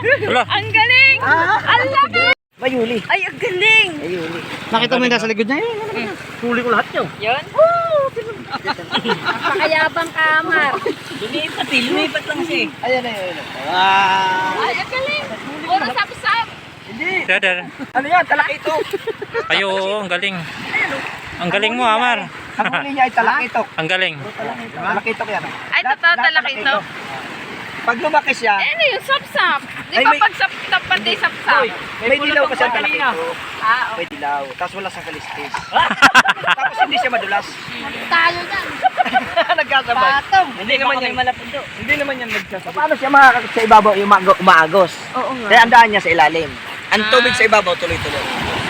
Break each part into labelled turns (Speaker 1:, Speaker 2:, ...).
Speaker 1: Wala.
Speaker 2: Ang galing! Ang laki!
Speaker 3: Mayuli.
Speaker 2: Ay, ang galing!
Speaker 3: Mayuli. Nakita mo yung nasa likod niya yun. Huli ko lahat yun.
Speaker 2: Yun? Napakayabang kamar.
Speaker 4: Lumipat lang siya.
Speaker 3: Ayan, ayan. Wow.
Speaker 2: Ay, ang galing! Puro sap-sap!
Speaker 3: Hindi.
Speaker 1: Dada.
Speaker 3: Ano yan? Talakito.
Speaker 1: Ayo, ang galing. Ang galing mo, Amar.
Speaker 3: Ang huli niya ay talakito.
Speaker 1: Ang galing.
Speaker 3: Talakito yan.
Speaker 2: Ay, totoo talakito.
Speaker 3: Pag lumaki siya,
Speaker 2: Eh, ano yung sap-sap? Di
Speaker 3: Ay,
Speaker 2: ba
Speaker 3: may-
Speaker 2: pag sap-sap pati sap-sap?
Speaker 3: may dilaw kasi ang talakito.
Speaker 2: Ah,
Speaker 3: May dilaw. Tapos wala sa kalistis. Tapos hindi siya madulas.
Speaker 2: tayo yan.
Speaker 3: Nagkasabay.
Speaker 4: Hindi naman yan malapundo.
Speaker 3: Hindi naman yan nagsasabay. Paano siya makakakit sa ibabaw yung umaagos?
Speaker 2: Oo nga.
Speaker 3: Kaya ang daan niya sa ilalim. Ang tubig sa ibabaw tuloy-tuloy.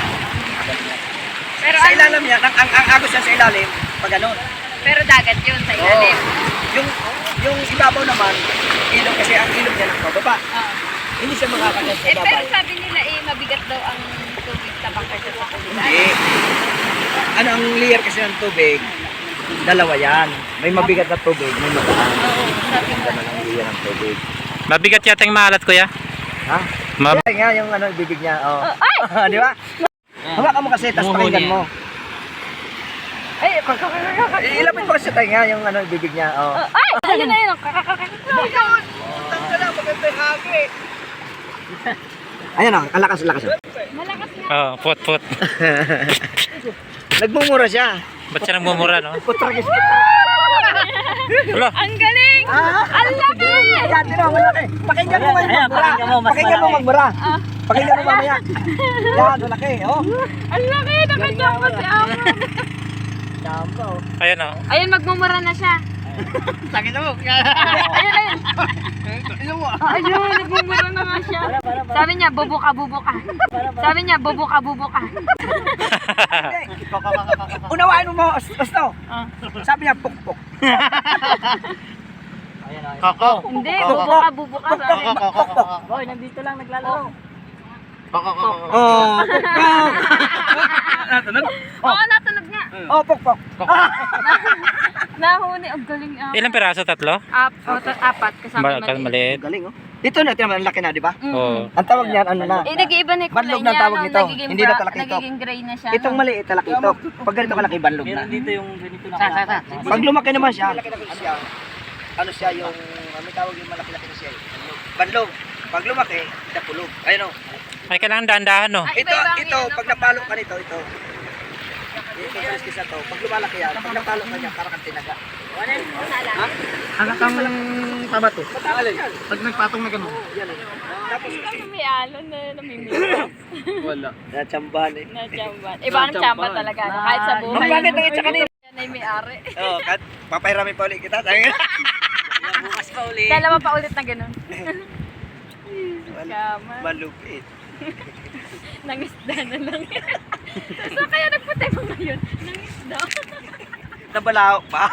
Speaker 2: Pero,
Speaker 3: Sa ilalim niya, ang agos niya sa ilalim, pag ganun.
Speaker 2: pero dagat yun sa ilalim.
Speaker 3: Yung ibabaw naman, ilog kasi ang ilog niya ng pababa.
Speaker 2: Ah.
Speaker 3: Hindi siya makakagat sa
Speaker 2: Eh, pero
Speaker 3: ibabaw.
Speaker 2: sabi nila mabigat daw ang tubig sa bangka sa tubig.
Speaker 3: Hindi. Ano ang layer kasi ng tubig? Dalawa yan. May mabigat na tubig, may magaan.
Speaker 2: Oo, sabi nga.
Speaker 3: Ganun ang layer ng tubig.
Speaker 1: Mabigat yata yung maalat, kuya.
Speaker 3: Ha? Kaya nga yung ano, bibig niya. Oh. Di ba? Hawakan mo kasi, tapos pakinggan mo.
Speaker 2: Ay,
Speaker 3: Ilapit mo kasi tayo nga yung ano, bibig niya. Oh.
Speaker 2: ay, ayun na yun.
Speaker 3: Tangka lang, maganda yung hagi. Ayan o, ang lakas-lakas.
Speaker 2: Malakas na.
Speaker 1: Oh, put.
Speaker 3: Nagmumura siya.
Speaker 1: Ba't siya nagmumura, no?
Speaker 3: Putragis.
Speaker 1: Wala.
Speaker 2: Ang galing! Ang laki!
Speaker 3: Yan, tino, malaki. Pakinggan mo ngayon
Speaker 4: Ayan,
Speaker 3: magbura.
Speaker 4: pakinggan mo, mas
Speaker 3: Pakinggan mo
Speaker 4: malaki.
Speaker 3: magbura. Pakinggan mo mamaya. Yan, malaki. Oh.
Speaker 2: Ang laki! Nakachamba si Amo.
Speaker 3: Chamba, oh.
Speaker 1: Ayan, oh.
Speaker 2: Ayun, magmumura na siya.
Speaker 3: Sakit mo.
Speaker 2: Ayun.
Speaker 3: Ano mo?
Speaker 2: Ayun, nagmumura na nga siya. Sabi niya, bubo ka. Sabi niya, bubo ka.
Speaker 3: Unawain mo, Osto. Sabi niya, pukpok.
Speaker 1: Koko.
Speaker 2: Hindi, bubo ka. Sabi.
Speaker 4: Boy, nandito lang naglalaro.
Speaker 3: Oh, pukpok.
Speaker 2: Oo, natunog nga.
Speaker 3: Oh, pukpok.
Speaker 2: Nahuni, ang galing ah.
Speaker 1: Ilang piraso? Tatlo?
Speaker 2: Apat, kasama
Speaker 1: Maliit.
Speaker 3: Galing, oh. Dito na, tinaman, ang laki na, di ba?
Speaker 1: Oo.
Speaker 3: Ang tawag niyan, ano na?
Speaker 2: Eh, nag-iiba na yung kulay
Speaker 3: Banlog na
Speaker 2: niya.
Speaker 3: tawag
Speaker 2: no?
Speaker 3: nito.
Speaker 2: Nagiging
Speaker 3: Hindi na talakito.
Speaker 2: Nagiging gray na siya.
Speaker 3: Itong maliit, talakito. Pag ganito kalaki, banlog na.
Speaker 4: Meron dito yung ganito na
Speaker 2: Sa.
Speaker 3: Pag lumaki naman siya, ano siya yung, may tawag yung malaki-laki na siya. Banlog. Pag lumaki, napulog. Ayun, oh.
Speaker 1: Ay, kailangan dahan-dahan, no?
Speaker 3: Ito, pag napalo ka nito, ito. Ito, isa to. Pag lumalaki yan, pag napalo ka niya, parang kang tinaga.
Speaker 4: Hanggang kang tama to.
Speaker 3: Alin?
Speaker 4: Pag nagpatong na gano'n.
Speaker 3: Yan, eh. Tapos,
Speaker 2: May alon na namimili.
Speaker 4: Wala.
Speaker 3: natsambahan eh.
Speaker 2: Na chamban. Iba ang chamba talaga. No? Kahit sa buhay.
Speaker 3: Ang bakit ang itsa kanina?
Speaker 2: Yan ay may-ari.
Speaker 3: Oo, papahiramin pa ulit kita. Sabi nga.
Speaker 4: Bukas pa uli.
Speaker 2: Dalawa pa ulit na ganun. Kama.
Speaker 3: Malupit.
Speaker 2: Nangisda na lang. So kaya nagputay mo ngayon? Nangisda.
Speaker 3: Nabalao pa.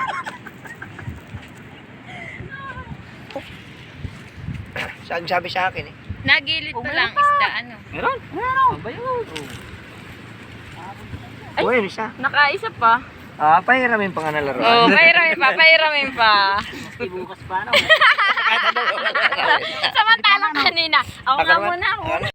Speaker 3: Saan sabi sa akin eh?
Speaker 2: Nagilid pa lang isda. Ano?
Speaker 4: Meron? Ba yun?
Speaker 2: Ay.
Speaker 3: Uy, ano siya?
Speaker 2: Nakaisa pa.
Speaker 3: Pahiramin pa nga na laro.
Speaker 2: Oo, pahiramin pa.
Speaker 4: Bukas pa ano?
Speaker 2: Samantalang kanina. Ako nga muna.